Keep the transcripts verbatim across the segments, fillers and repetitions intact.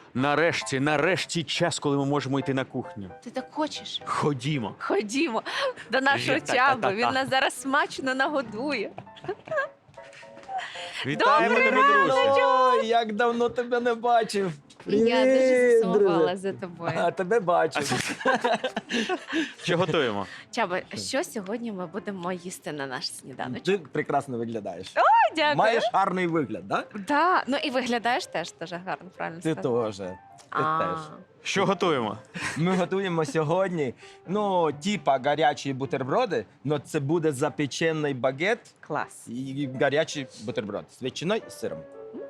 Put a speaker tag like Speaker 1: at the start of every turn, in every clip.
Speaker 1: Нарешті, нарешті час, коли ми можемо йти на кухню.
Speaker 2: Ти так хочеш?
Speaker 1: Ходімо.
Speaker 2: Ходімо до нашого
Speaker 1: Та-та-та-та-та.
Speaker 2: Чаби. Він нас зараз смачно нагодує.
Speaker 1: Вітаємо
Speaker 2: Добрий
Speaker 1: тебе, друже.
Speaker 3: Ой, як давно тебе не бачив.
Speaker 2: Я дуже
Speaker 3: Привіт,
Speaker 2: засумувала
Speaker 3: друже.
Speaker 2: за тобою.
Speaker 3: А тебе бачив.
Speaker 1: Що готуємо?
Speaker 2: Чаба, що сьогодні ми будемо їсти на наш сніданочок?
Speaker 3: Ти прекрасно виглядаєш.
Speaker 2: Дякую.
Speaker 3: Маєш гарний вигляд, так?
Speaker 2: Да. Ну і виглядаєш теж дуже гарно, правильно
Speaker 3: Ти
Speaker 2: сказала?
Speaker 3: теж. Ти
Speaker 2: А.
Speaker 3: теж.
Speaker 1: Що готуємо?
Speaker 3: Ми готуємо сьогодні, ну, типа гарячі бутерброди, але це буде запечений багет
Speaker 2: Клас.
Speaker 3: і гарячий бутерброд з ветчиною і сиром.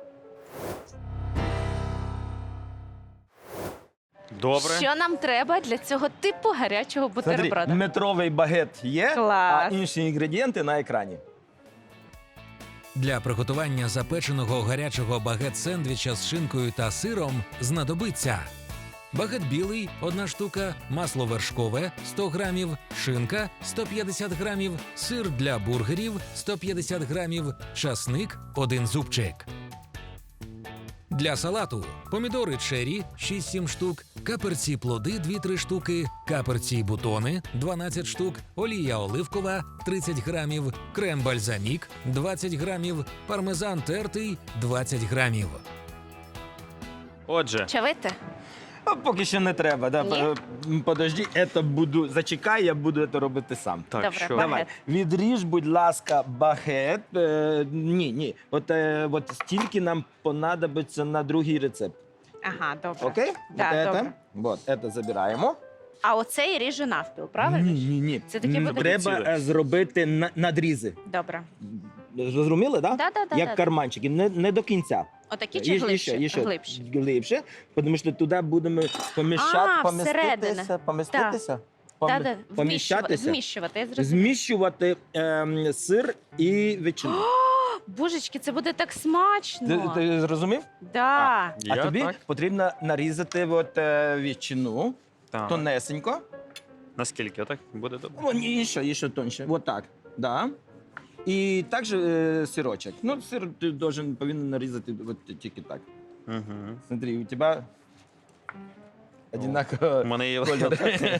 Speaker 1: Добре.
Speaker 2: Що нам треба для цього типу гарячого
Speaker 3: Смотри,
Speaker 2: бутерброда?
Speaker 3: метровий багет є,
Speaker 2: Клас.
Speaker 3: а інші інгредієнти на екрані.
Speaker 4: Для приготування запеченого гарячого багет-сендвіча з шинкою та сиром знадобиться багет білий – одна штука, масло вершкове – сто грамів, шинка – сто п'ятдесят грамів, сир для бургерів – сто п'ятдесят грамів, часник – один зубчик. Для салату помідори черрі – шість-сім штук, каперці плоди – дві-три штуки, каперці бутони – дванадцять штук, олія оливкова – тридцять грамів, крем бальзамік – двадцять грамів, пармезан тертий – двадцять грамів.
Speaker 1: Отже,
Speaker 2: Чавити?
Speaker 3: А поки що не треба. Да?
Speaker 2: Ні?
Speaker 3: П- Подожди, это буду, зачекай, я буду це робити сам.
Speaker 1: так,
Speaker 2: Добре,
Speaker 1: що?
Speaker 2: багет.
Speaker 3: Давай, відріж, будь ласка, багет. Е, ні, ні. От, е, от стільки нам понадобиться на другий рецепт.
Speaker 2: Ага, добре.
Speaker 3: Окей?
Speaker 2: Да,
Speaker 3: от
Speaker 2: добре.
Speaker 3: это, вот, это забираємо.
Speaker 2: А оцей ріжу навпіл, правильно?
Speaker 3: Ні, ні, ні.
Speaker 2: Це таке
Speaker 3: М,
Speaker 2: буде
Speaker 3: Треба
Speaker 1: ціле.
Speaker 3: е, зробити на- надрізи.
Speaker 2: Добре.
Speaker 3: Зрозуміли, так?
Speaker 2: Да, да, да,
Speaker 3: Як
Speaker 2: да.
Speaker 3: карманчики, не, не до кінця.
Speaker 2: Отакі чи
Speaker 3: Є-
Speaker 2: глибші?
Speaker 3: є ще,
Speaker 2: Глибші.
Speaker 3: глибше, тому що туди будемо поміщати,
Speaker 2: А, всередину.
Speaker 3: поміститися, поміститися,
Speaker 2: Да,
Speaker 3: пом-
Speaker 2: да, вміщувати,
Speaker 3: поміщатися,
Speaker 2: зміщувати, я зрозуміла.
Speaker 3: зміщувати ем, сир і ветчину.
Speaker 2: Божечки, це буде так смачно.
Speaker 3: Ти, ти зрозумів?
Speaker 2: Да.
Speaker 3: А
Speaker 1: Я
Speaker 3: тобі
Speaker 1: так.
Speaker 3: потрібно нарізати от, е, ветчину
Speaker 1: Так.
Speaker 3: тонесенько.
Speaker 1: Наскільки? Отак буде добре?
Speaker 3: О, ні, ще, ще тоньше. Вот так. Да. І також е, сирочок. Ну, сир ти должен, повинен нарізати от, тільки так.
Speaker 1: Угу.
Speaker 3: Смотри, у тебе одинаково
Speaker 1: У мене є
Speaker 3: колір.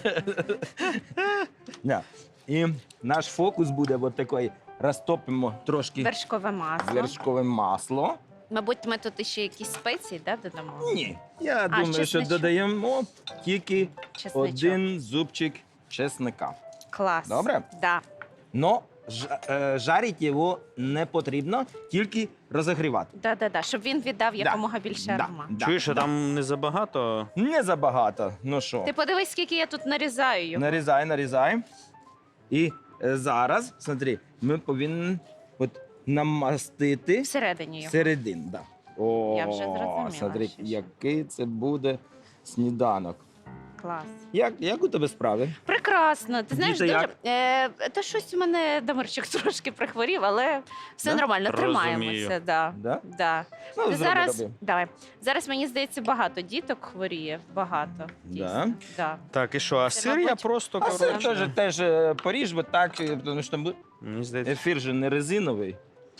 Speaker 3: Да. І наш фокус буде от такий. Розтопимо трошки
Speaker 2: Вершкове масло.
Speaker 3: вершкове масло.
Speaker 2: Мабуть, ми тут ще якісь спеції, да, додамо?
Speaker 3: Ні, я думаю, що
Speaker 2: чесничок?
Speaker 3: додаємо тільки
Speaker 2: Чесничок.
Speaker 3: один зубчик чесника.
Speaker 2: Клас.
Speaker 3: Добре?
Speaker 2: Да.
Speaker 3: Но ж, е, жарити його не потрібно, тільки розігрівати.
Speaker 2: Да, да, да. Щоб він віддав якомога більше
Speaker 3: Да,
Speaker 2: аромат.
Speaker 3: да,
Speaker 1: Чуєш, що
Speaker 3: да.
Speaker 1: там не забагато?
Speaker 3: Не забагато. Ну що,
Speaker 2: Ти подивись, скільки я тут нарізаю його.
Speaker 3: нарізай, нарізай. І е, зараз, смотри, ми повинні от намастити
Speaker 2: Всередині його.
Speaker 3: середину. Да. О,
Speaker 2: Я вже зрозуміла,
Speaker 3: смотри,
Speaker 2: що-
Speaker 3: який це буде сніданок.
Speaker 2: Клас.
Speaker 3: Як, як у тебе справи?
Speaker 2: Прекрасно. Ти знаєш,
Speaker 3: Діти
Speaker 2: дуже...
Speaker 3: як?
Speaker 2: Е, та щось у мене Дамирчик трошки прихворів, але все
Speaker 3: Да?
Speaker 2: нормально,
Speaker 1: Розумію.
Speaker 2: тримаємося. Да.
Speaker 3: Да?
Speaker 2: Да.
Speaker 3: Ну,
Speaker 2: Ти
Speaker 3: зроби,
Speaker 2: зараз,
Speaker 3: роби.
Speaker 2: давай. Зараз, мені здається, багато діток хворіє. Багато. Дійсно. Да.
Speaker 1: Так, і що? А
Speaker 2: Це,
Speaker 1: сир я
Speaker 2: мабуть,
Speaker 1: просто,
Speaker 3: А сир
Speaker 1: коротше...
Speaker 3: теж, теж е, поріж, бо так, е, тому що ми-
Speaker 1: Мені здається...
Speaker 3: ефір же не резиновий.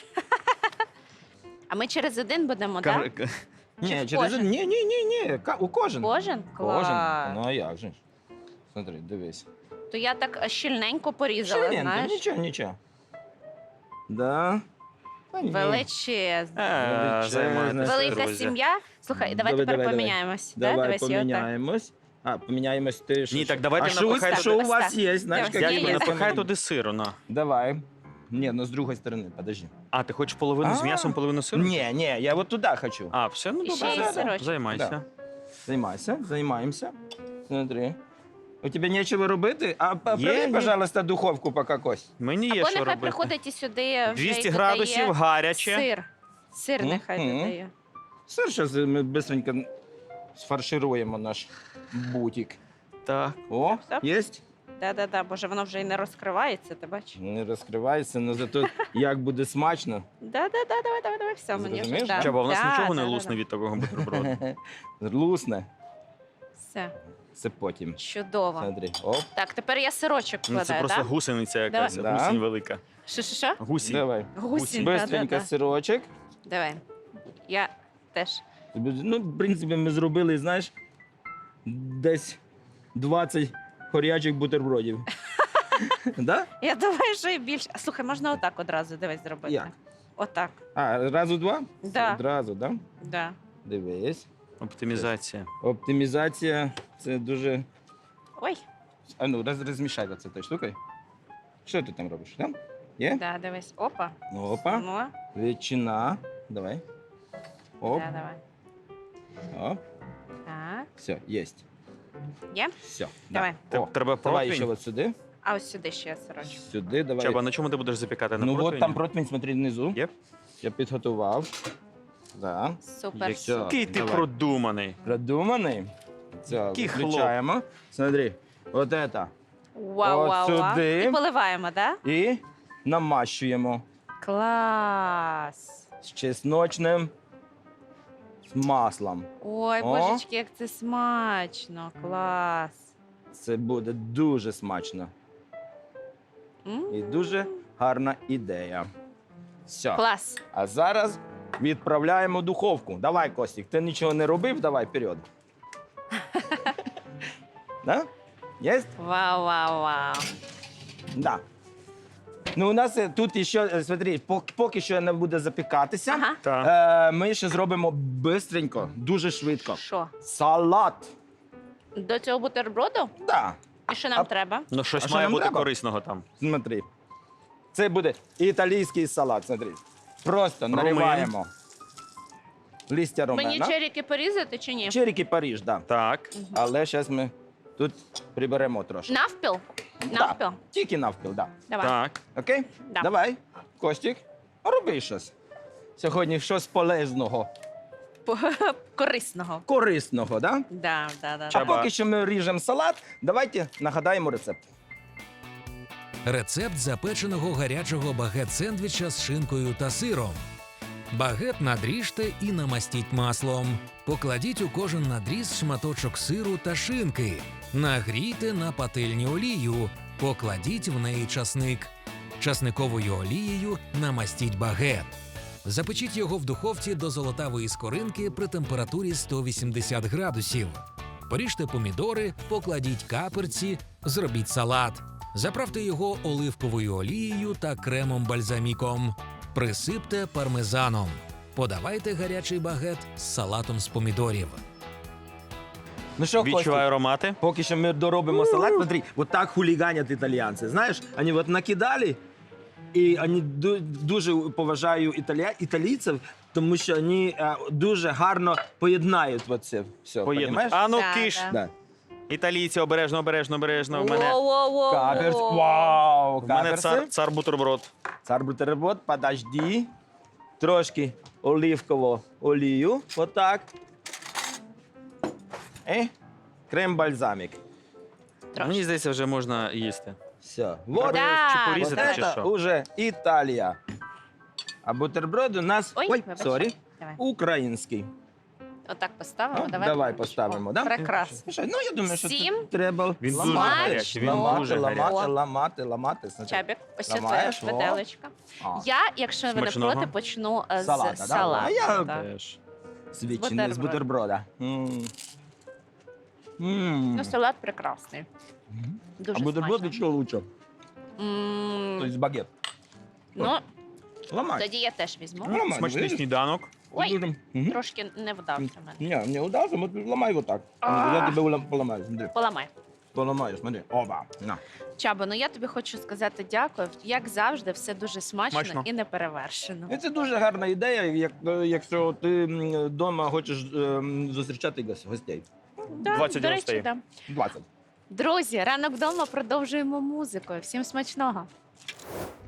Speaker 2: А ми через один будемо,
Speaker 1: кар-
Speaker 2: так?
Speaker 1: к-
Speaker 2: Чи
Speaker 3: Ні,
Speaker 2: в
Speaker 3: через
Speaker 2: кожен?
Speaker 3: ні, ні, ні, ні. Ка- У кожен.
Speaker 2: Кожен?
Speaker 3: Кожен.
Speaker 2: Клас.
Speaker 3: Ну а як же ж? Смотри, дивись.
Speaker 2: То я так щільненько порізала,
Speaker 3: Ширинка,
Speaker 2: знаєш?
Speaker 3: нічого, нічого. Да. Та ні.
Speaker 2: Величезно.
Speaker 1: Е, займайтеся,
Speaker 2: Велика
Speaker 1: друзі.
Speaker 2: сім'я. Слухай, давай
Speaker 3: Давай,
Speaker 2: тепер
Speaker 3: давай, давай.
Speaker 2: поміняємось. Да?
Speaker 3: Давай
Speaker 2: Давай, сьогодні.
Speaker 3: поміняємось. А, поміняємось ти. що-
Speaker 1: Ні, так давайте
Speaker 3: а що, у-
Speaker 1: напихай
Speaker 3: що у
Speaker 2: туди.
Speaker 3: вас
Speaker 2: Ось
Speaker 3: є, знаєш,
Speaker 2: Давай,
Speaker 3: як
Speaker 2: є,
Speaker 1: Дядько,
Speaker 2: є.
Speaker 1: напихай туди сиру, на.
Speaker 3: Давай. Ні, ну з другої сторони, подожди.
Speaker 1: А, ти хочеш половину з
Speaker 3: А.
Speaker 1: м'ясом, половину сиру?
Speaker 3: Ні, ні, я от туди хочу.
Speaker 1: А, все, ну
Speaker 2: І ще
Speaker 1: добре.
Speaker 2: є сирочок.
Speaker 1: Займайся.
Speaker 3: Да. Займайся, займаємося. Смотри. У тебе нічого робити? А проверь,
Speaker 1: ні.
Speaker 3: пожалуйста, духовку поки Кость.
Speaker 1: Мені є
Speaker 2: Або
Speaker 1: що
Speaker 2: нехай
Speaker 1: робити.
Speaker 2: приходить і сюди вже
Speaker 1: двісті
Speaker 2: й
Speaker 1: градусів,
Speaker 2: додає
Speaker 1: гаряче.
Speaker 2: Сир. Сир нехай
Speaker 3: Мгм.
Speaker 2: додає.
Speaker 3: Все, зараз ми быстренько сфаршируємо наш бутик.
Speaker 1: Так.
Speaker 3: О,
Speaker 2: Стоп.
Speaker 3: є?
Speaker 2: Да-да-да, боже, воно вже і не розкривається, ти бачиш?
Speaker 3: Не розкривається, але зато як буде смачно.
Speaker 2: Да-да-да, давай, давай, давай, все, мені вже.
Speaker 3: Зрозумів?
Speaker 2: Да.
Speaker 1: Чаба, у нас
Speaker 2: Да,
Speaker 1: нічого не
Speaker 2: да, да,
Speaker 1: лусне
Speaker 2: да.
Speaker 1: від такого бутерброду.
Speaker 3: Лусне.
Speaker 2: Все,
Speaker 3: Це потім.
Speaker 2: чудово.
Speaker 3: Смотри. Оп.
Speaker 2: Так, тепер я сирочок
Speaker 1: Ну, це
Speaker 2: вкладаю,
Speaker 1: просто
Speaker 2: так?
Speaker 1: гусениця якась,
Speaker 3: Давай.
Speaker 1: гусінь
Speaker 3: Да.
Speaker 1: велика.
Speaker 2: Що-що-що?
Speaker 1: Гусінь.
Speaker 3: Давай.
Speaker 2: Гусінь,
Speaker 3: Быстренько
Speaker 2: да-да-да.
Speaker 3: сирочок.
Speaker 2: Давай. Я теж
Speaker 3: Ну, в принципі, ми зробили, знаєш, десь двадцять хорячих бутербродів. Да?
Speaker 2: Я думаю, що і більше. А, слухай, можна отак одразу дивись зробити.
Speaker 3: Як?
Speaker 2: Отак.
Speaker 3: А, разу два?
Speaker 2: Да.
Speaker 3: Одразу, да?
Speaker 2: Да.
Speaker 3: Дивись.
Speaker 1: Оптимізація.
Speaker 3: Оптимізація це дуже.
Speaker 2: Ой,
Speaker 3: А ну, роз, розмішай оце тою штукою. Що ти там робиш? Там? Є?
Speaker 2: да, дивись. Опа.
Speaker 3: Ну, опа.
Speaker 2: Ну,
Speaker 3: Ветчина. Давай. Оп.
Speaker 2: да, давай.
Speaker 3: Оп.
Speaker 2: Так.
Speaker 3: Все, єсть.
Speaker 2: Є?
Speaker 3: Все.
Speaker 2: Давай.
Speaker 3: Да. О,
Speaker 1: Треба
Speaker 3: давай ще
Speaker 1: противень.
Speaker 3: от сюди.
Speaker 2: А ось сюди ще сирочок.
Speaker 3: Сюди, давай.
Speaker 1: Чаба, на чому ти будеш запікати? На
Speaker 3: Ну от
Speaker 1: противні?
Speaker 3: там противень, смотри, внизу.
Speaker 1: Є?
Speaker 3: Я підготував. Да.
Speaker 2: Супер.
Speaker 1: Який ти
Speaker 3: Давай.
Speaker 1: продуманий.
Speaker 3: Продуманий. Все,
Speaker 1: Який
Speaker 3: включаємо. Смотри, от это.
Speaker 2: Вау,
Speaker 3: От
Speaker 2: вау, вау.
Speaker 3: сюди.
Speaker 2: І поливаємо, так? Да?
Speaker 3: І намащуємо
Speaker 2: Клас.
Speaker 3: з чесночним з маслом.
Speaker 2: Ой,
Speaker 3: О.
Speaker 2: божечки, як це смачно. Клас.
Speaker 3: Це буде дуже смачно.
Speaker 2: М.
Speaker 3: І дуже гарна ідея. Все.
Speaker 2: Клас.
Speaker 3: А зараз відправляємо в духовку. Давай, Костік, ти нічого не робив, давай вперед. Да? Єсть?
Speaker 2: Вау, вау, вау.
Speaker 3: Да. Ну, у нас е, тут ще, е, смотри, пок- поки що не буде запікатися.
Speaker 2: Ага.
Speaker 1: Так.
Speaker 3: Е, ми ще зробимо бистренько, дуже швидко.
Speaker 2: Що?
Speaker 3: Салат.
Speaker 2: До цього бутерброду?
Speaker 3: Да.
Speaker 2: І що нам
Speaker 3: А-
Speaker 2: треба?
Speaker 1: Ну,
Speaker 3: А
Speaker 1: щось
Speaker 3: що
Speaker 1: має
Speaker 3: нам
Speaker 1: бути
Speaker 3: треба?
Speaker 1: корисного там.
Speaker 3: Смотри. Це буде італійський салат. Смотри. Просто
Speaker 1: Ромин.
Speaker 3: нариваємо листя ромена.
Speaker 2: Мені черіки порізати чи ні?
Speaker 3: Черіки Париж, да.
Speaker 1: Так.
Speaker 3: Але зараз ми тут приберемо трошки.
Speaker 2: Навпіл?
Speaker 3: Да.
Speaker 2: Навпіл?
Speaker 3: Тільки навпіл, да.
Speaker 2: Давай.
Speaker 1: Так.
Speaker 3: Окей?
Speaker 2: Да.
Speaker 3: Давай, Костік, роби щось. Сьогодні щось полезного,
Speaker 2: По- Корисного.
Speaker 3: корисного, да?
Speaker 2: Да, да, да.
Speaker 3: А
Speaker 1: Чаба.
Speaker 3: поки що ми ріжемо салат, давайте нагадаємо рецепт.
Speaker 4: Рецепт запеченого гарячого багет-сендвіча з шинкою та сиром. Багет надріжте і намастіть маслом. Покладіть у кожен надріз шматочок сиру та шинки. Нагрійте на пательні олію. Покладіть в неї часник. Часниковою олією намастіть багет. Запечіть його в духовці до золотавої скоринки при температурі сто вісімдесят градусів. Поріжте помідори, покладіть каперці, зробіть салат. Заправте його оливковою олією та кремом бальзаміком. Присипте пармезаном. Подавайте гарячий багет з салатом з помідорів.
Speaker 3: Ну що, Костік,
Speaker 1: Відчуваю аромати.
Speaker 3: поки що ми доробимо салат, смотри, вот так хулиганят італійці. Знаєш, вони от накидали, і вони ду- дуже поважаю італія... італійців, тому що вони е, дуже гарно поєднають оце все,
Speaker 1: Поєднуй.
Speaker 3: понімаєш?
Speaker 1: А ну
Speaker 2: Да,
Speaker 1: киш.
Speaker 2: да.
Speaker 3: Да.
Speaker 1: Італійці, обережно, обережно, обережно. У мене,
Speaker 2: Воу-воу-воу.
Speaker 3: Каперс. Вау,
Speaker 1: в мене
Speaker 3: каперси.
Speaker 1: цар, цар бутерброд.
Speaker 3: Цар бутерброд, подожди. Трошки оливкового олію, отак. І крем-бальзамік.
Speaker 1: Мені здається, вже можна їсти.
Speaker 3: Все. Вот,
Speaker 2: Да,
Speaker 1: Чи
Speaker 3: вот
Speaker 1: порізати, чи
Speaker 3: это
Speaker 1: що?
Speaker 3: уже Італія. А бутерброд у нас,
Speaker 2: Ой,
Speaker 3: ой,
Speaker 2: вибач.
Speaker 3: сорі,
Speaker 2: Давай.
Speaker 3: український.
Speaker 2: Отак поставимо.
Speaker 3: Ну,
Speaker 2: Давай,
Speaker 3: давай
Speaker 2: О,
Speaker 3: поставимо, да?
Speaker 2: Прекрасно.
Speaker 3: Слушай, ну я думаю, що
Speaker 2: Всім
Speaker 3: тут треба
Speaker 1: Він дуже
Speaker 3: ламати,
Speaker 1: гарячий, він
Speaker 3: ламати,
Speaker 1: дуже
Speaker 3: ламати,
Speaker 1: гарячий.
Speaker 3: ламати, ламати. Смотри.
Speaker 2: Чабік, ось це твоя
Speaker 3: Ламаєш, о.
Speaker 2: виделечка.
Speaker 3: А,
Speaker 2: Я, якщо ви не
Speaker 1: Смачного.
Speaker 2: проти, почну е, з
Speaker 3: Салата, да?
Speaker 2: салату.
Speaker 3: А я-
Speaker 2: да.
Speaker 1: Теж.
Speaker 3: з ветчини, з
Speaker 2: бутерброд.
Speaker 3: бутерброда. М. М.
Speaker 2: Ну, салат прекрасний.
Speaker 3: Мгм.
Speaker 2: Дуже
Speaker 3: А бутерброд
Speaker 2: смачно.
Speaker 3: що лучше?
Speaker 2: М,
Speaker 3: Тобто багет.
Speaker 2: Ну,
Speaker 3: Ламай.
Speaker 2: тоді я теж візьму.
Speaker 3: Ламай,
Speaker 1: Смачний
Speaker 3: видиш?
Speaker 1: сніданок.
Speaker 2: Ой,
Speaker 3: Дуже. Мгм.
Speaker 2: трошки не вдався мене.
Speaker 3: Не, не удался, вот ломай вот так.
Speaker 2: А.
Speaker 3: Я тебе улам- поломаю, смотри.
Speaker 2: Поламай.
Speaker 3: Поломаю, смотри. Оба. На.
Speaker 2: Чабо, ну я тобі хочу сказати дякую. Як завжди, все дуже смачно,
Speaker 1: Смачно.
Speaker 2: і неперевершено.
Speaker 3: І Це дуже гарна ідея, як, е, якщо ти вдома хочеш ем, зустрічати гос- гостей.
Speaker 2: Да,
Speaker 1: двадцять
Speaker 2: до речі,
Speaker 1: гостей.
Speaker 2: да.
Speaker 3: двадцять.
Speaker 2: Друзі, ранок вдома продовжуємо музикою. Всім смачного.